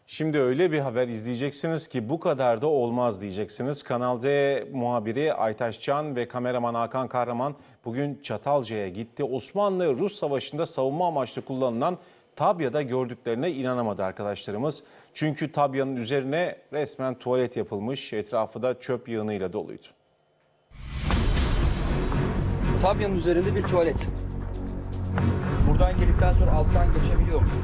Şimdi öyle bir haber izleyeceksiniz ki bu kadar da olmaz diyeceksiniz. Kanal D muhabiri Aytaş Can ve kameraman Hakan Kahraman bugün Çatalca'ya gitti. Osmanlı-Rus Savaşı'nda savunma amaçlı kullanılan tabyada gördüklerine inanamadı arkadaşlarımız. Çünkü tabyanın üzerine resmen tuvalet yapılmış, etrafı da çöp yığınıyla doluydu. Tabyanın üzerinde bir tuvalet. Buradan girdikten sonra alttan geçebiliyor mu?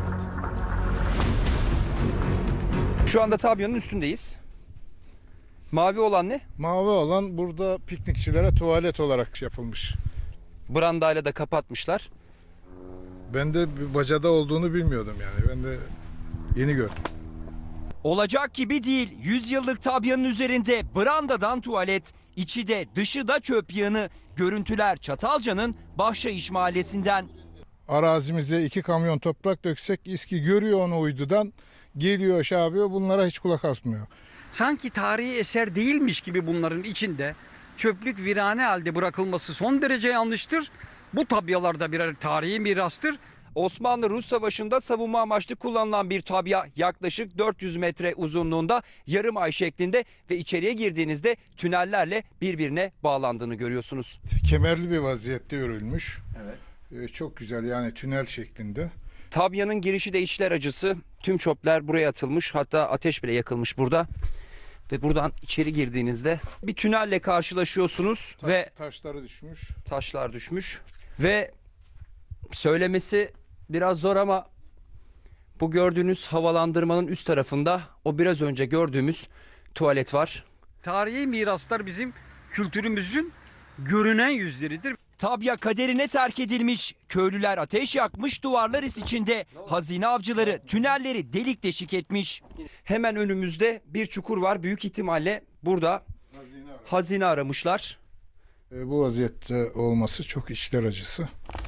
Şu anda tabyanın üstündeyiz. Mavi olan ne? Mavi olan burada piknikçilere tuvalet olarak yapılmış. Brandayla da kapatmışlar. Ben de bir bacada olduğunu bilmiyordum yani. Ben de yeni gördüm. Olacak gibi değil. 100 yıllık tabyanın üzerinde brandadan tuvalet, içi de dışı da çöp yığını. Görüntüler Çatalca'nın Bahşaiş mahallesinden. Arazimize 2 kamyon toprak döksek İSKİ görüyor onu uydudan. Geliyor aşağı yapıyor, bunlara hiç kulak asmıyor. Sanki tarihi eser değilmiş gibi bunların içinde çöplük virane halde bırakılması son derece yanlıştır. Bu tabyalarda birer tarihi mirastır. Osmanlı-Rus Savaşı'nda savunma amaçlı kullanılan bir tabya, yaklaşık 400 metre uzunluğunda, yarım ay şeklinde ve içeriye girdiğinizde tünellerle birbirine bağlandığını görüyorsunuz. Kemerli bir vaziyette örülmüş. Evet. Çok güzel yani tünel şeklinde. Tabyanın girişi de içler acısı. Tüm çöpler buraya atılmış, hatta ateş bile yakılmış burada. Ve buradan içeri girdiğinizde bir tünelle karşılaşıyorsunuz ve Taşları düşmüş. taşlar düşmüş. Ve söylemesi biraz zor ama bu gördüğünüz havalandırmanın üst tarafında o biraz önce gördüğümüz tuvalet var. Tarihi miraslar bizim kültürümüzün görünen yüzleridir. Tabya kaderine terk edilmiş. Köylüler ateş yakmış, duvarlar is içinde. Hazine avcıları tünelleri delik deşik etmiş. Hemen önümüzde bir çukur var. Büyük ihtimalle burada hazine aramışlar. Bu vaziyette olması çok içler acısı.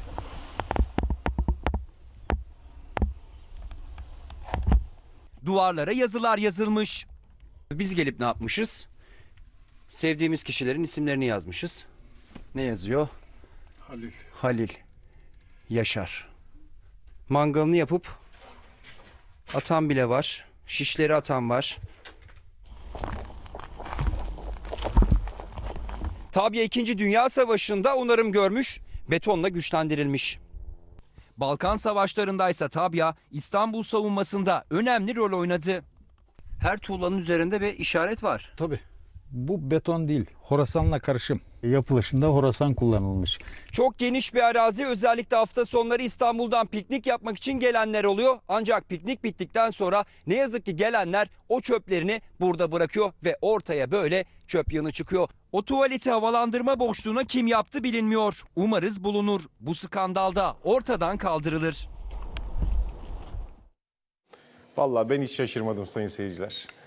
Duvarlara yazılar yazılmış. Biz gelip ne yapmışız? Sevdiğimiz kişilerin isimlerini yazmışız. Ne yazıyor? Halil. Halil, Yaşar. Mangalını yapıp atan bile var. Şişleri atan var. Tabya 2. Dünya Savaşı'nda onarım görmüş, betonla güçlendirilmiş. Balkan Savaşları'ndaysa tabya İstanbul savunmasında önemli rol oynadı. Her tuğlanın üzerinde bir işaret var. Tabii. Bu beton değil, Horasan'la karışım. Yapılışında Horasan kullanılmış. Çok geniş bir arazi, özellikle hafta sonları İstanbul'dan piknik yapmak için gelenler oluyor. Ancak piknik bittikten sonra ne yazık ki gelenler o çöplerini burada bırakıyor ve ortaya böyle çöp yığını çıkıyor. O tuvaleti havalandırma boşluğuna kim yaptı bilinmiyor. Umarız bulunur. Bu skandalda ortadan kaldırılır. Vallahi ben hiç şaşırmadım sayın seyirciler.